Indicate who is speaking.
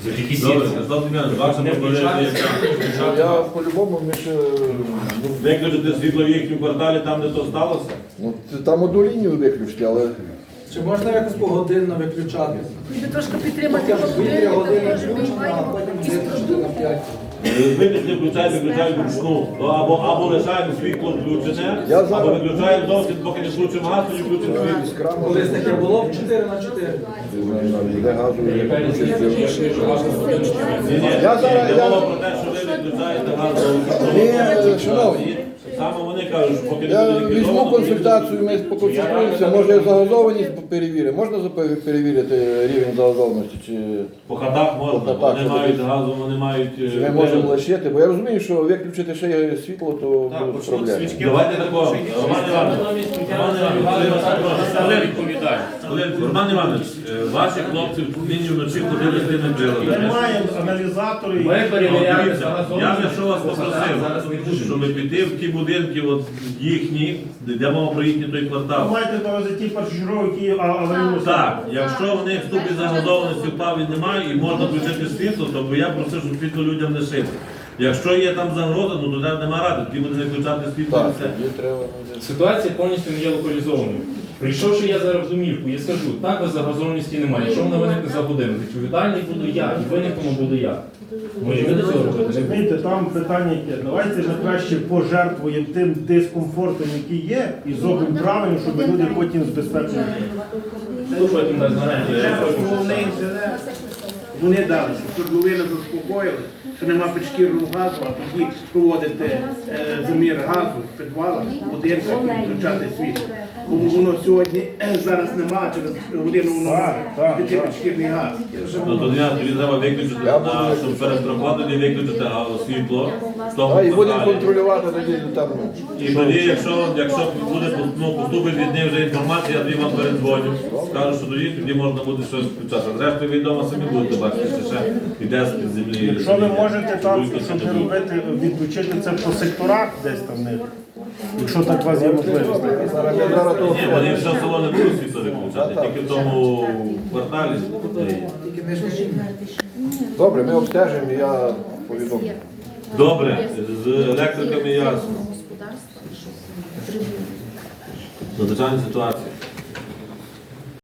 Speaker 1: Завдяки
Speaker 2: Добре,
Speaker 1: сітці.
Speaker 2: Святослав Дем'янович, ваша пропозиція яка?
Speaker 3: Я по-любому, ми ще,
Speaker 2: Виключити світло в їхньому кварталі, там де то сталося?
Speaker 3: ну, там одну лінію виключити, але
Speaker 4: Чи можна якось погодинно виключати?
Speaker 5: Ви трошки підтримати
Speaker 4: Хоча б 2-3 години
Speaker 5: теж
Speaker 4: включено, а
Speaker 5: виймаємо
Speaker 4: потім
Speaker 5: із
Speaker 4: виключити на 5.
Speaker 2: Виключити, включаємо вручну. Або лишаємо світло включене,
Speaker 3: Я зараз-
Speaker 2: або виключаємо зовсім, поки не включимо газ, тоді включимо світло.
Speaker 3: з крана
Speaker 4: Колись таке було б 4 на 4.
Speaker 3: де газу не
Speaker 1: Яка різниця,
Speaker 3: виключити.
Speaker 1: якщо ваша година
Speaker 2: Ні,
Speaker 3: Я зараз-
Speaker 2: йде
Speaker 3: я-
Speaker 2: мова про те, що ви виключаєте газ.
Speaker 3: Ні, шановні.
Speaker 2: Саме вони кажуть, що поки не
Speaker 3: Я
Speaker 2: буде
Speaker 3: візьму
Speaker 2: ліквідовано,
Speaker 3: консультацію, ми поконсультуємося, може загазованість перевірити. Можна перевірити рівень загазованості? Чи
Speaker 2: по хатах можна,
Speaker 3: По хатах,
Speaker 2: вони
Speaker 3: що
Speaker 2: мають
Speaker 3: десь.
Speaker 2: газу, вони мають...
Speaker 3: чи ми можемо лишити? Бо я розумію, що виключити ще є світло, то будуть проблеми.
Speaker 2: Давайте такого, Роман Іванович, Роман Іванович, ваші хлопці нині вночі ходили з тими приладами.
Speaker 6: Маємо аналізатори.
Speaker 1: Ми перевіряємо
Speaker 2: Дивіться,
Speaker 1: загазованість.
Speaker 2: я би що вас
Speaker 1: Зараз не
Speaker 2: попросив, щоб піти в ті будинки от їхні, де мова про їхній той
Speaker 6: Ви
Speaker 2: квартал.
Speaker 6: маєте на увазі ті першочергові, які аварійно
Speaker 2: Так, якщо в них в ступі загазованості впав і немає, і можна включити світло, то я просив, щоб світло людям лишити. Якщо є там загроза, ну то нема ради, тоді буде не включати світло і
Speaker 3: Так,
Speaker 2: все.
Speaker 3: тоді треба.
Speaker 1: Ситуація повністю не є локалізованою. Прийшовши я зараз в домівку, я скажу, так без загазованості немає. Якщо вона виникне за годину, відповідальний буду я, і виникнемо буду я. Може ви до цього робити? Не будете.
Speaker 6: Розумієте, там питання яке. Давайте ми краще пожертвуємо тим дискомфортом, який є, і зробимо правильно, щоб люди потім з безпекою.
Speaker 1: Хто потім дасть гарантію?
Speaker 7: Вони дали, щоб людина заспокоїли, що нема підшкірного газу, а тоді проводити замір газу в підвалах, в будинках і включати світло. Бо воно сьогодні зараз немає, через годину воно
Speaker 6: Так,
Speaker 7: піти підшкірний газ.
Speaker 2: Ну, тоді треба виключити, щоб перед роботою виключити світло в тому
Speaker 3: І будемо
Speaker 2: кварталі.
Speaker 3: контролювати тоді там.
Speaker 2: І тоді, якщо буде поступить від них вже інформація, я тоді вам передзвоню, скажу, що тоді можна буде щось включати. Зрештою, ви вдома самі будете бачити, що ще йде з-під землі.
Speaker 6: Якщо ви можете там, щоб не робити, відключити це по секторах десь там в них, якщо так у вас є можливість.
Speaker 3: Зараз я зараз того.
Speaker 2: Ні, вони все село не будуть світло виключати, тільки в тому кварталі.
Speaker 3: Добре, ми обстежимо, і я повідомлю.
Speaker 2: Добре, з електриками ясно. Надзвичайна ситуація.